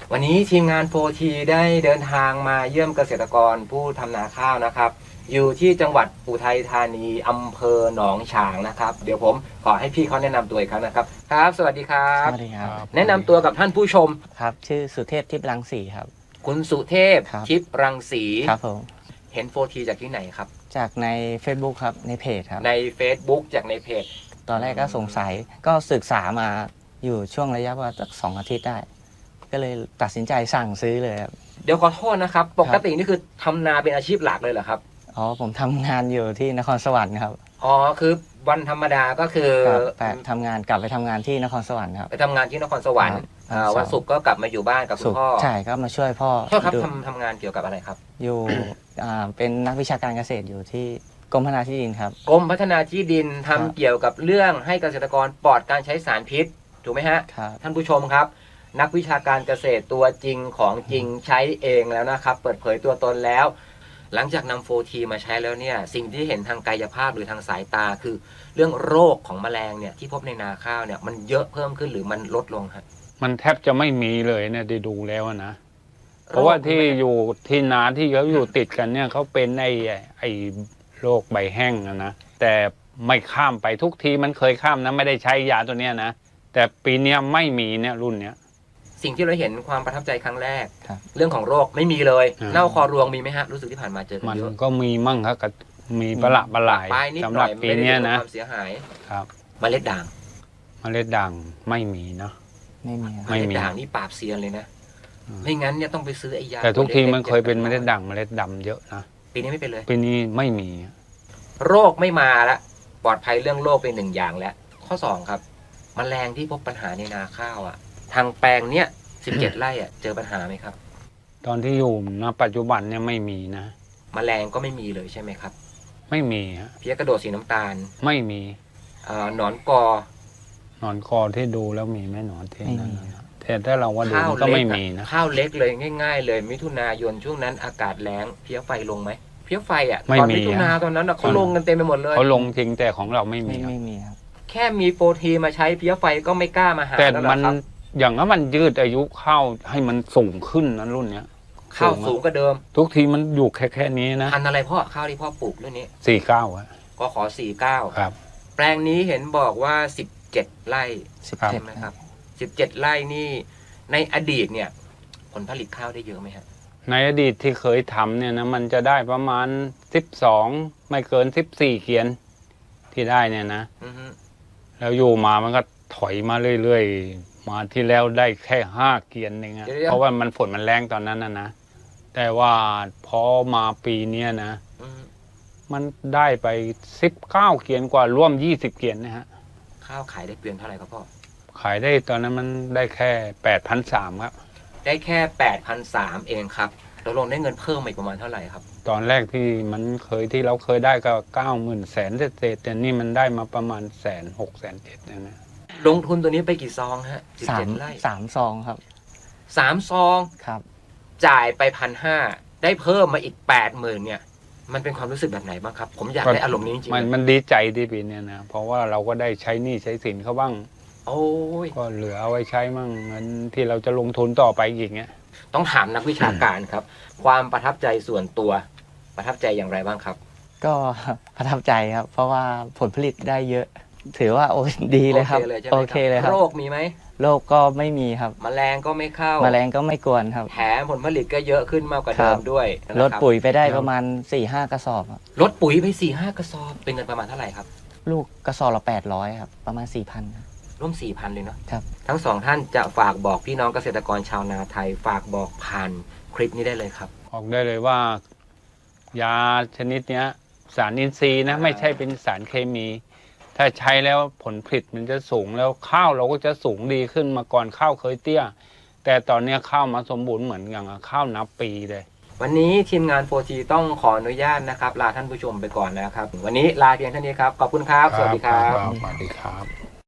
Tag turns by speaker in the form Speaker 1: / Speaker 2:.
Speaker 1: วันนี้ทีมงานโฟทีได้เดินทางมาเยี่ยมเกษตรกรผู้ทำนาข้าวนะครับอยู่ที่จังหวัดอุทัยธานีอำเภอหนองฉางนะครับเดี๋ยวผมขอให้พี่เขาแนะนำตัวอีกครั้งนะครับครับสวัสดีครับ
Speaker 2: สวัสดีครับ
Speaker 1: แนะนำตัวกับท่านผู้ชม
Speaker 2: ครับชื่อสุเทพทิพย์รังสีครับ
Speaker 1: คุณสุเทพทิพย์รังสี
Speaker 2: ครับผม
Speaker 1: เห็นโฟทีจากที่ไหนครับ
Speaker 2: จากใน Facebook ครับในเพจครับ
Speaker 1: ใน Facebook จากในเพจ
Speaker 2: ตอนแรกก็สงสัยก็ศึกษามาอยู่ช่วงระยะว่าสัก2 อาทิตย์ได้ก็เลยตัดสินใจสั่งซื้อเลยครับ
Speaker 1: เดี๋ยวขอโทษนะครับปกตินี่คือทำนาเป็นอาชีพหลักเลยเหรอครับ
Speaker 2: อ๋อผมทำงานอยู่ที่นครสวรรค์ครับ
Speaker 1: อ๋อคือวันธรรมดาก็คือ
Speaker 2: ทำงานกลับไปทำงานที่นครสวรรค์ครับ
Speaker 1: ไปทำงานที่นครสวรรค์วันศุกร์ก็กลับมาอยู่บ้านกับคุณพ่อ
Speaker 2: ใช่ก็มาช่วยพ่อ
Speaker 1: ครับทำงานเกี่ยวกับอะไรครับ
Speaker 2: อยู่เป็นนักวิชาการเกษตรอยู่ที่กรมพัฒนาที่ดินครับ
Speaker 1: กรมพัฒนาที่ดินทำเกี่ยวกับเรื่องให้เกษตรกรปลอดการใช้สารพิษถูกไหมฮะท่านผู้ชมครับนักวิชาการเกษตรตัวจริงของจริงใช้เองแล้วนะครับเปิดเผยตัวตนแล้วหลังจากนำโฟทีมาใช้แล้วเนี่ยสิ่งที่เห็นทางกายภาพหรือทางสายตาคือเรื่องโรคของแมลงเนี่ยที่พบในนาข้าวเนี่ยมันเยอะเพิ่มขึ้นหรือมันลดลงครับ
Speaker 3: มันแทบจะไม่มีเลยเนี่ยได้ดูแล้วนะเพราะว่าที่อยู่ที่นาที่เขาอยู่ติดกันเนี่ยเขาเป็นไอ้โรคใบแห้งนะแต่ไม่ข้ามไปทุกทีมันเคยข้ามนะไม่ได้ใช้ยาตัวเนี้ยนะแต่ปีนี้ไม่มีเนี่ยรุ่นเนี้ย
Speaker 1: สิ่งที่เราเห็นความประทับใจครั้งแรกเรื่องของโรคไม่มีเลยเน่าคอรวงมีไหมฮะรู้สึกที่ผ่านมาเจอกันเยอะ
Speaker 3: มันก็มีมั่งครับมีประหลาดสำหรับปีนี้นะ
Speaker 1: ความเสียหาย
Speaker 3: ครับ
Speaker 1: เมล็ดด่าง
Speaker 3: ไม่มีเนาะ
Speaker 1: เมล็ดด่างนี่ปราบเซียนเลยนะไม่งั้นเนี่ยต้องไปซื้อไอ้ยา
Speaker 3: แต่ทุกทีมันเคยเป็นเมล็ดด่างเมล็ดดำเยอะนะ
Speaker 1: ปีนี้ไม่เป็นเลย
Speaker 3: ปีนี้ไม่มี
Speaker 1: โรคไม่มาละปลอดภัยเรื่องโรคเป็น1 อย่างแล้วข้อ2ครับแมลงที่พบปัญหาในนาข้าวอ่ะทางแปลงเนี้ย17 ไร่อ่ะเจอปัญหาไหมครับ
Speaker 3: ตอนที่อยู่ณปัจจุบันเนี่ยไม่มีนะ
Speaker 1: แมลงก็ไม่มีเลยใช่ไหมครับ
Speaker 3: ไม่มีฮะ
Speaker 1: เพี้ยกระโดดสีน้ำตาล
Speaker 3: ไม่มี
Speaker 1: หนอนกอ
Speaker 3: ที่ดูแล้วมีไหมหนอนที่นั่นแต่ถ้าเราว่าดูก็ไม่มีนะ
Speaker 1: ข้าวเล็กเลยง่ายๆเลยมิถุนายนช่วงนั้นอากาศแล้งเพี้ยไฟลงไหมเพี้ยไฟอ่ะตอนมิถุนาตอนนั้นเขาลงกันเต็มไปหมดเลย
Speaker 3: เขาลงจริงแต่ของเราไม่มี
Speaker 2: ครับ
Speaker 1: แค่มีโฟทีมาใช้เพี้ยไฟก็ไม่กล้ามาหา
Speaker 3: แต่มันอย่างนั้นมันยืดอายุข้าวให้มันสูงขึ้นนะรุ่นเนี้ย
Speaker 1: ข้าวสูงกว่าเดิม
Speaker 3: ทุกทีมันอยู่แค่นี้นะ
Speaker 1: พันอะไรพ่อข้าวที่พ่อปลูกเรื่องนี้
Speaker 3: 49อ่ะ
Speaker 1: ก็ขอ49
Speaker 3: ครับ
Speaker 1: แปลงนี้เห็นบอกว่า17 ไร่ใช่ไหมครับ17 ไร่นี่ในอดีตเนี่ยผลผลิตข้าวได้เยอะไหมครับ
Speaker 3: ในอดีตที่เคยทำเนี่ยนะมันจะได้ประมาณ12ไม่เกิน14 เกียนที่ได้เนี่ยนะแล้วอยู่มามันก็ถอยมาเรื่อยๆมาที่แล้วได้แค่5 เกียนเองอะเพราะว่ามันฝนมันแรงตอนนั้นนะแต่ว่าพอมาปีนี้นะมันได้ไป19 เกียนกว่าร่วม20 เกียนนะฮะ
Speaker 1: ข้าวขายได้เกวียนเท่าไหร่ครับพ่อ
Speaker 3: ขายได้ตอนนั้นมันได้แค่ 8,300 ครับ
Speaker 1: ได้แค่ 8,300 เองครับเราลงได้เงินเพิ่มอีกประมาณเท่าไหร่ครับ
Speaker 3: ตอนแรกที่เราเคยได้ก็90,000 แสนเศษแต่นี่มันได้มาประมาณ106,000 107,000นะ
Speaker 1: ลงทุนตัวนี้ไปกี่ซองฮะ17 ไร่
Speaker 2: 3 ซองครับ
Speaker 1: 3 ซอง
Speaker 2: ครับ
Speaker 1: จ่ายไป 1,500 ได้เพิ่มมาอีก 80,000 เนี่ยมันเป็นความรู้สึกแบบไหนบ้างครับผมอยากได้อารมณ์นี้จริง
Speaker 3: ๆมันดีใจที่ปีนี้นะเพราะว่าเราก็ได้ใช้หนี้ใช้สินเขาบ้าง
Speaker 1: โอ้ย
Speaker 3: ก็เหลือเอาไว้ใช้มั่งเงินที่เราจะลงทุนต่อไปอีกเงี้ย
Speaker 1: ต้องถามนักวิชาการครับความประทับใจส่วนตัวประทับใจอย่างไรบ้างครับ
Speaker 2: ก็ประทับใจครับเพราะว่าผลผลิตได้เยอะถือว่าโอ้ดีเลยครับโอเคเลยครับ
Speaker 1: โรคมีไหม
Speaker 2: โรคก็ไม่มีครับ
Speaker 1: แมลงก็ไม่เข้า
Speaker 2: แมลงก็ไม่กวนครับ
Speaker 1: แถมผลผลิตก็เยอะขึ้นมากกว่าเดิมด้วย
Speaker 2: ลดปุ๋ยไปได้ประมาณ 4-5 กระสอบ
Speaker 1: ลดปุ๋ยไป 4-5 กระสอบเป็นเงินประมาณเท่าไหร่ครับ
Speaker 2: ลูกกระสอบละ800ครับประมาณ 4,000
Speaker 1: ร่วม 4,000 เลยเนาะ
Speaker 2: ครับ
Speaker 1: ทั้ง2 ท่านจะฝากบอกพี่น้องเกษตรกรชาวนาไทยฝากบอกผ่านคลิปนี้ได้เลยครับ
Speaker 3: บอกได้เลยว่ายาชนิดนี้สารอินทรีย์นะไม่ใช่เป็นสารเคมีถ้าใช้แล้วผลผลิตมันจะสูงแล้วข้าวเราก็จะสูงดีขึ้นมาก่อนข้าวเคยเตี้ยแต่ตอนนี้ข้าวมาสมบูรณ์เหมือนอย่างข้าวนับปีเลย
Speaker 1: วันนี้ทีมงานโฟทีต้องขออนุญาตนะครับลาท่านผู้ชมไปก่อนนะครับวันนี้ลาเพียงเท่านี้ครับขอบคุณครับสวัสดีครับ
Speaker 3: สวัสดีครับ